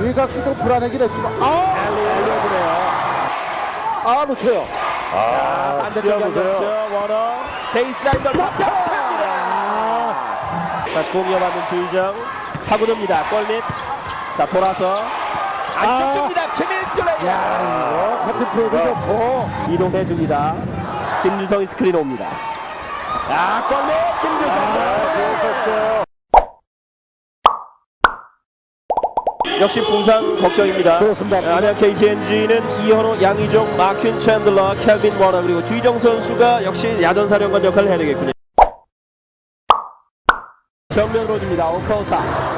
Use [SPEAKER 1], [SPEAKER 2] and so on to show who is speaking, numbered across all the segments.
[SPEAKER 1] 외곽이 좀 불안하긴 했지만 놓쳐요.
[SPEAKER 2] 반대쪽 연결죠. 워너 베이스라인 돌파합니다. 다시 공 이어받는 주의정 파고듭니다. 골밑. 자 돌아서 안쪽 줍니다. 김일둘의
[SPEAKER 1] 이거 커튼 프로도 좋고
[SPEAKER 2] 이동해줍니다. 김주성이 스크린 옵니다. 골밑 김주성.
[SPEAKER 1] 좋았어요.
[SPEAKER 2] 역시 부상 걱정입니다.
[SPEAKER 1] 그렇습니다.
[SPEAKER 2] 안양 KTNG는 이현호, 양희종, 마퀸 챈들러, 켈빈 워너 그리고 주희정 선수가 역시 야전사령관 역할을 해야 되겠군요. 정면으로 줍니다. 오커사.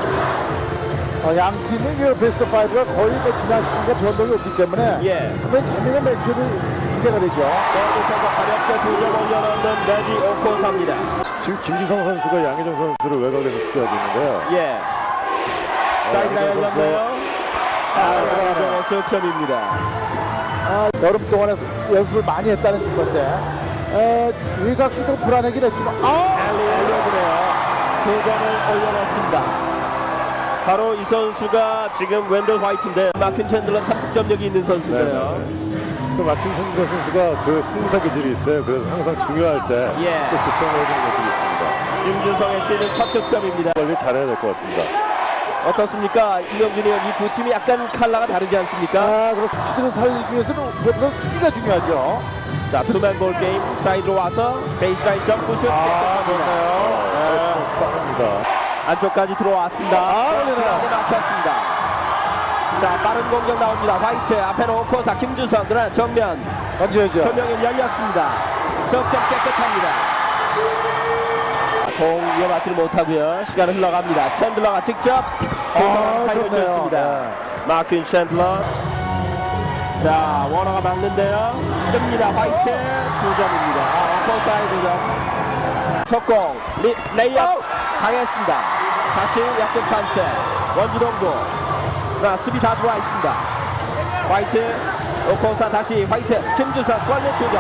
[SPEAKER 1] 양 팀은 이 베스트 5가 거의 지난 시즌과 변동이 없기 때문에 상당히 재미있는 매치업이 기대가 되죠.
[SPEAKER 2] 골밑에서 가볍게 두 점 올려놓는 레디 오커사입니다.
[SPEAKER 3] 지금 김주성 선수가 양희종 선수를 외곽에서 수비하고 있는데요.
[SPEAKER 2] 사이드가 열렸네요. 양희종의 석점입니다.
[SPEAKER 1] 여름 동안에 연습을 많이 했다는 건데 외곽이 좀 불안하긴 했지만
[SPEAKER 2] 알려주네요. 두 점을 올려놨습니다. 바로 이 선수가 지금 웬델 화이트인데 마퀸 챈들러 참득점력이 있는 선수인데요.
[SPEAKER 3] 그 마틴 챈들러 선수가 그 승부사 기질이 있어요. 그래서 항상 중요할 때 또 득점을 해주는 모습이 있습니다.
[SPEAKER 2] 김주성의 시즌 첫 득점입니다.
[SPEAKER 3] 관리 잘해야 될 것 같습니다.
[SPEAKER 2] 어떻습니까? 김명준이 이 두 팀이 약간 컬러가 다르지 않습니까?
[SPEAKER 1] 그렇습니다. 수비를 살리기 위해서는 무엇보다 수비가 중요하죠.
[SPEAKER 2] 자, 투맨 볼 게임 사이드로 와서 베이스라인 점프슛 깨끗합니다.
[SPEAKER 3] 선수 빠릅니다.
[SPEAKER 2] 안쪽까지 들어왔습니다. 그런데 막혔습니다. 자, 빠른 공격 나옵니다. 화이트 앞에는 오코사 김주성 그러나 정면
[SPEAKER 1] 던져야죠.
[SPEAKER 2] 표명이 열렸습니다. 석점 깨끗합니다. 공 이어받지를 못하고요. 시간은 흘러갑니다. 챈들러가 직접 고성을 살려줬습니다. 마퀸 챈들러. 자, 워너가 막는데요. 뜹니다. 화이트 2점입니다. 오코사의 2점. 속공 레이업 당했습니다. 다시 약속 찬스. 원주동부. 수비 다 들어와 있습니다. 화이트 오코사 다시 화이트 김주성 골밑 2점.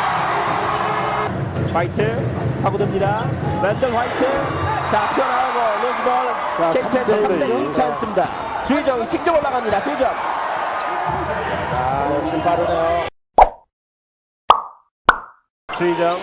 [SPEAKER 2] 화이트 파고듭니다. 랜덤 화이트. 자, 튀어나오고 로즈볼 KT에서 3대2 찬스입니다. 주희정이 직접 올라갑니다. 2점.
[SPEAKER 1] 역시 빠르네요.
[SPEAKER 2] 주희정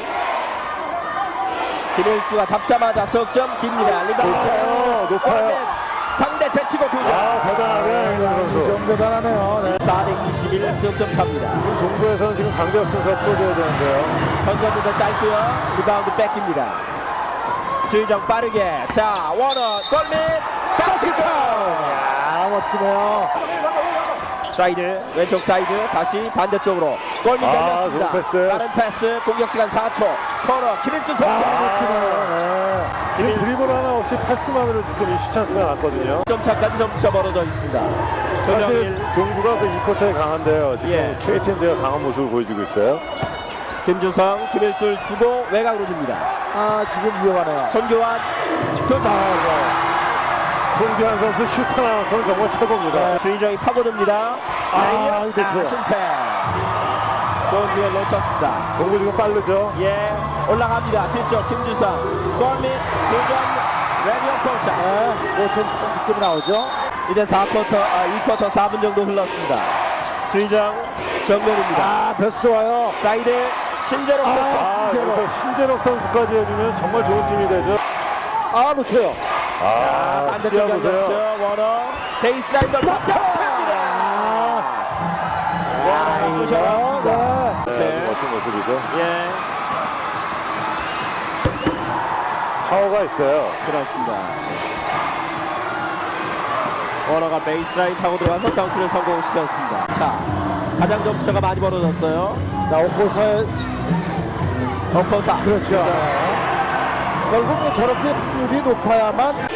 [SPEAKER 2] 김일두가 잡자마자 석점 깁니다. 리바운드
[SPEAKER 3] 높아요.
[SPEAKER 2] 상대 제치고 2점.
[SPEAKER 3] 대단하네요, 이정 선수.
[SPEAKER 1] 좀 대단하네요.
[SPEAKER 2] 4대21 석점 차입니다.
[SPEAKER 3] 지금 동부에서는 지금 강대혁 선수가 풀어줘야 되는데요.
[SPEAKER 2] 던졌는데 짧고요. 리바운드 뺏깁니다. 주희정 빠르게. 자, 워너 골밑 바스켓.
[SPEAKER 1] 멋지네요.
[SPEAKER 2] 사이드 왼쪽 사이드 다시 반대쪽으로 골밑 열렸습니다.
[SPEAKER 3] 좋은 패스.
[SPEAKER 2] 빠른 패스 공격 시간 4초. 코너 김일두 선수.
[SPEAKER 1] 멋지네요.
[SPEAKER 3] 지금 드리블 하나 없이 패스만으로 지금 이슈 찬스가 났거든요.
[SPEAKER 2] 점차까지 점수차 벌어져 있습니다.
[SPEAKER 3] 사실 동부가 그 2쿼터에 강한데요. 지금 KTNG가 강한 모습을 보여주고 있어요.
[SPEAKER 2] 김주성 김일둘 두고 외곽으로 줍니다.
[SPEAKER 1] 지금 위험하네요.
[SPEAKER 2] 손교환 2점.
[SPEAKER 3] 송기환 선수 슈터 나만큼 정말 최고입니다.
[SPEAKER 2] 주희정이 파고듭니다. 실패. 좋은 기회 놓쳤습니다.
[SPEAKER 3] 동부 지금 빠르죠.
[SPEAKER 2] 올라갑니다. 뒤쪽 김주성 골밑 2점. 레디오 코사.
[SPEAKER 1] 5점 득점이 나오죠.
[SPEAKER 2] 이제 2쿼터 4분 정도 흘렀습니다. 주희정 정면입니다.
[SPEAKER 1] 패스 좋아요.
[SPEAKER 2] 사이드 신재록 선수.
[SPEAKER 3] 여기서 신재록 선수까지 해주면 정말 좋은 팀이 되죠.
[SPEAKER 1] 놓쳐요.
[SPEAKER 2] 반대쪽 연결죠. 워너 베이스라인 돌파합니다. 워너가 쑤셔놨습니다.
[SPEAKER 3] 멋진 모습이죠.
[SPEAKER 2] 예,
[SPEAKER 3] 파워가 있어요.
[SPEAKER 2] 그렇습니다. 워너가 베이스라인 타고 들어가서 덩크를 성공시켰습니다. 자, 가장 점수차가 많이 벌어졌어요.
[SPEAKER 1] 자, 오코사의
[SPEAKER 2] 오코사.
[SPEAKER 1] 그렇죠. 결국 저렇게 확률이 높아야만.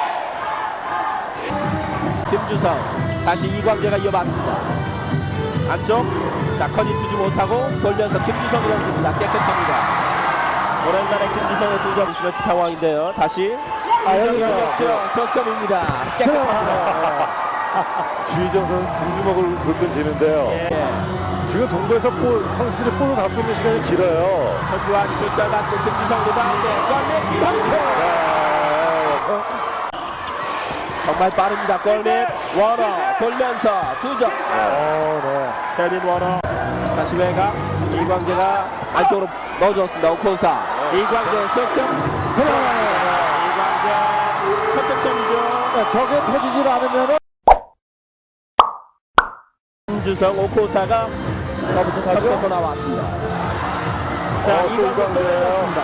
[SPEAKER 2] 김주성 다시 이광재가 이어봤습니다. 안쪽. 자, 커닝 주지 못하고 돌면서 김주성이 던집니다. 깨끗합니다. 오랜만에 김주성의 2점 스매치 상황인데요. 다시 그렇죠. 석점입니다. 깨끗합니다.
[SPEAKER 3] 주희정 선수 두 주먹을 불끈 지는데요. 지금 동부에서 선수들이 볼을 갖고 있는 시간이 길어요.
[SPEAKER 2] 손규환 슛잘 맞고 김주성 리바운드 골밑 덩크. 정말 빠릅니다. 골밑 워너 돌면서 2점.
[SPEAKER 1] 네.
[SPEAKER 2] 케빈 워너 다시 외곽 이광재가 안쪽으로 넣어줬습니다. 오코사 이광재 석점
[SPEAKER 1] 들어가네요.
[SPEAKER 2] 이광재 첫 득점이죠.
[SPEAKER 1] 네, 저게 터지질 않으면은
[SPEAKER 2] 김주성 오코사가
[SPEAKER 1] 저부터 가죠.
[SPEAKER 2] 석점으로 나왔습니다. 자 이광재 또 내렸습니다.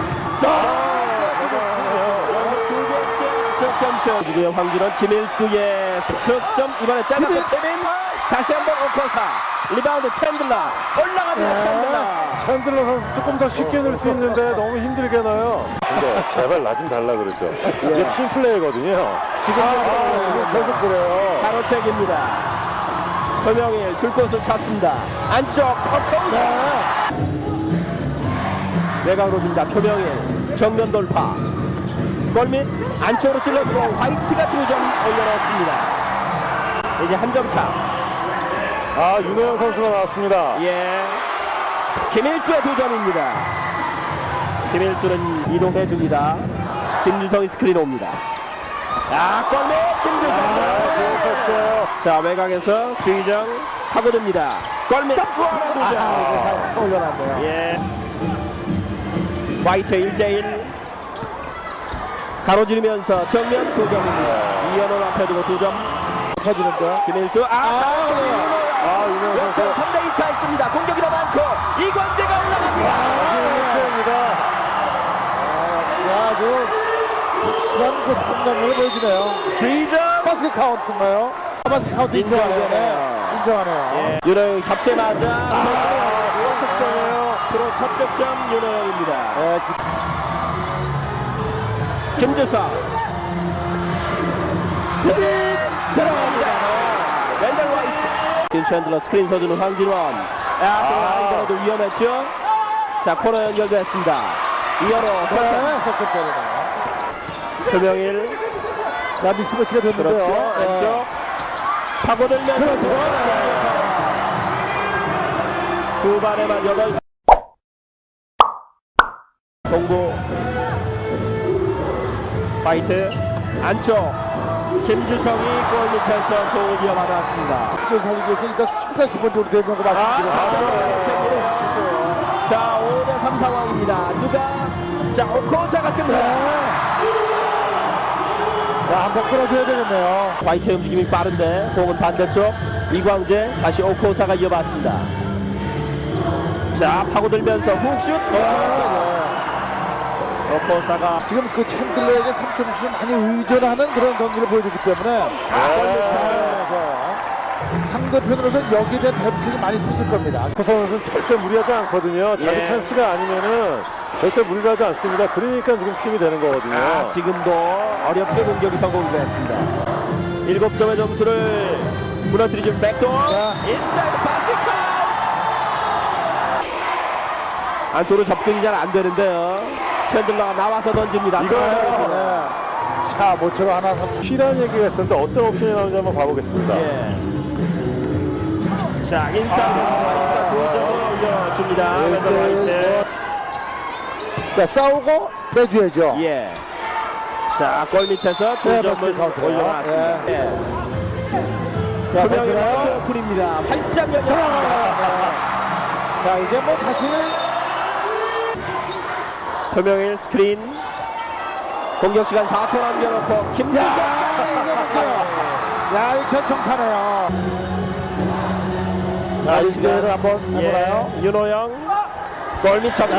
[SPEAKER 2] 연속 2개째 석점슛 지금 황준원 김일두의 석점 이번에 짧았고 케빈 다시 한번 오코사 리바운드 챈들러 올라갑니다.
[SPEAKER 3] 챈들러 선수 조금 더 쉽게 넣을 수 있는데 너무 힘들게 넣어요. 근데 제발 나 좀 달라 그러죠. 이게 팀 플레이거든요.
[SPEAKER 1] 지금 계속 그래요.
[SPEAKER 2] 가로채기입니다. 표명일 줄 곳을 찾습니다. 안쪽 오코사 외곽으로 줍니다. 표명일 정면 돌파 골밑 안쪽으로 찔러주고 화이트가 2점 올려놨습니다. 이제 한 점 차.
[SPEAKER 3] 윤호영 선수가 나왔습니다.
[SPEAKER 2] 예. 김일두의 2점입니다. 김일두는 이동해 줍니다. 김주성이 스크린 옵니다. 골밑 김주성.
[SPEAKER 3] 좋은 패스예요.
[SPEAKER 2] 자 외곽에서 주의정 파고듭니다. 골밑 2점.
[SPEAKER 1] 올려놨네요.
[SPEAKER 2] 예. 화이트 1대1 가로지르면서 정면 2점입니다. 이현원 앞에 두고 2점
[SPEAKER 1] 터지는데.
[SPEAKER 2] 김일두
[SPEAKER 3] 윤호영 선수.
[SPEAKER 2] 역전 3대2 차 있습니다. 공격이 더 많고 이광재가 올라갑니다.
[SPEAKER 1] 아주 확실한 그 상장면을 보여주네요.
[SPEAKER 2] 주의정
[SPEAKER 1] 바스켓 카운트인가요? 바스켓 카운트 인정하네요.
[SPEAKER 2] 인정하네요.
[SPEAKER 1] 인정하네요.
[SPEAKER 2] 예. 윤호영이 잡자마자
[SPEAKER 1] 첫 득점이에요.
[SPEAKER 2] 프로 첫 득점 윤호영입니다.
[SPEAKER 1] 네,
[SPEAKER 2] 김주성 들어갑니다. 랜달 화이트 긴 챈들러 스크린 서주는 황진원. 이번에도 위험했죠. 자 코너 연결됐습니다. 이현호 석점
[SPEAKER 1] 석점 때리네요.
[SPEAKER 2] 표명일
[SPEAKER 1] 자, 미스매치가 됐는데요.
[SPEAKER 2] 그렇죠. 왼쪽 파고들면서 들어가면서 두 발에만 8 동부 화이트 안쪽 김주성이 골 밑에서 공을 이어받았습니다.
[SPEAKER 1] 기존 살리기 위해서 일단 수비가 기본적으로 되는 거 말씀드렸죠.
[SPEAKER 2] 자 5대3 상황입니다. 자 오코사가 뜹니다.
[SPEAKER 1] 자, 한번 끌어줘야 되겠네요.
[SPEAKER 2] 화이트 움직임이 빠른데 공은 반대쪽 이광재 다시 오코사가 이어받습니다. 자 파고들면서 훅슛 오코사가
[SPEAKER 1] 지금 그 챈들러에게 3점슛을 많이 의존하는 그런 경기를 보여주기 때문에 상대편으로서는 여기에 대한 대비책이 많이 섰을 겁니다.
[SPEAKER 3] 그 선수는 절대 무리하지 않거든요. 자기
[SPEAKER 2] 예.
[SPEAKER 3] 찬스가 아니면은 절대 무리를 하지 않습니다. 그러니까 지금 팀이 되는 거거든요.
[SPEAKER 2] 지금도 어렵게 공격이 성공이 되었습니다. 7점의 점수를 무너뜨리는 백도어 인사이드 바스켓 안쪽으로 접근이 잘 안 되는데요. 챈들러가 나와서 던집니다.
[SPEAKER 1] 이거요. 자, 모처럼 하나
[SPEAKER 3] 필요한 얘기가 있었는데 어떤 옵션이 나오는지 한번 봐보겠습니다.
[SPEAKER 2] 예. 자 인사이드에서 화이트가 2점을 올려줍니다. 왼쪽 화이트.
[SPEAKER 1] 자, 싸우고 빼줘야죠.
[SPEAKER 2] 예. 자, 골 밑에서 2점을 올려놨습니다. 예. 분명히 오픈입니다. 활짝 열렸습니다.
[SPEAKER 1] 자, 이제 뭐 자신을
[SPEAKER 2] 표명일 스크린 공격 시간 4초 남겨놓고 김주성.
[SPEAKER 1] 야, 이 결정타네요. 자, 이 기회를 한번 해보나요?
[SPEAKER 2] 윤호영 골밑 접근.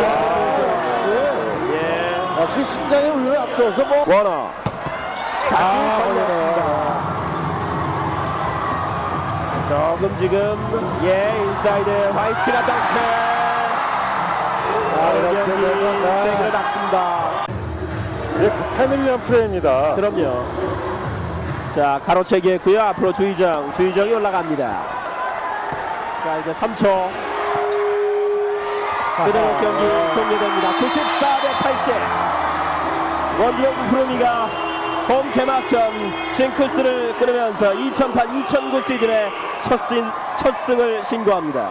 [SPEAKER 2] 예.
[SPEAKER 1] 역시 신장의 우위를 앞서서 뭐
[SPEAKER 2] 워너 다시 걸렸습니다. 조금 지금 인사이드 화이트가 덩크.
[SPEAKER 1] 이렇게 되면
[SPEAKER 2] 세게 닥습니다.
[SPEAKER 3] 이제 팬을 위한 플레이입니다.
[SPEAKER 2] 그럼요. 자 가로채기 했고요. 앞으로 주의정이 올라갑니다. 자 이제 3초 그대로 경기 종료됩니다. 94대80 원주영 프로미가 홈 개막전 징크스를 끊으면서 2008-2009 시즌의 첫 승을 신고합니다.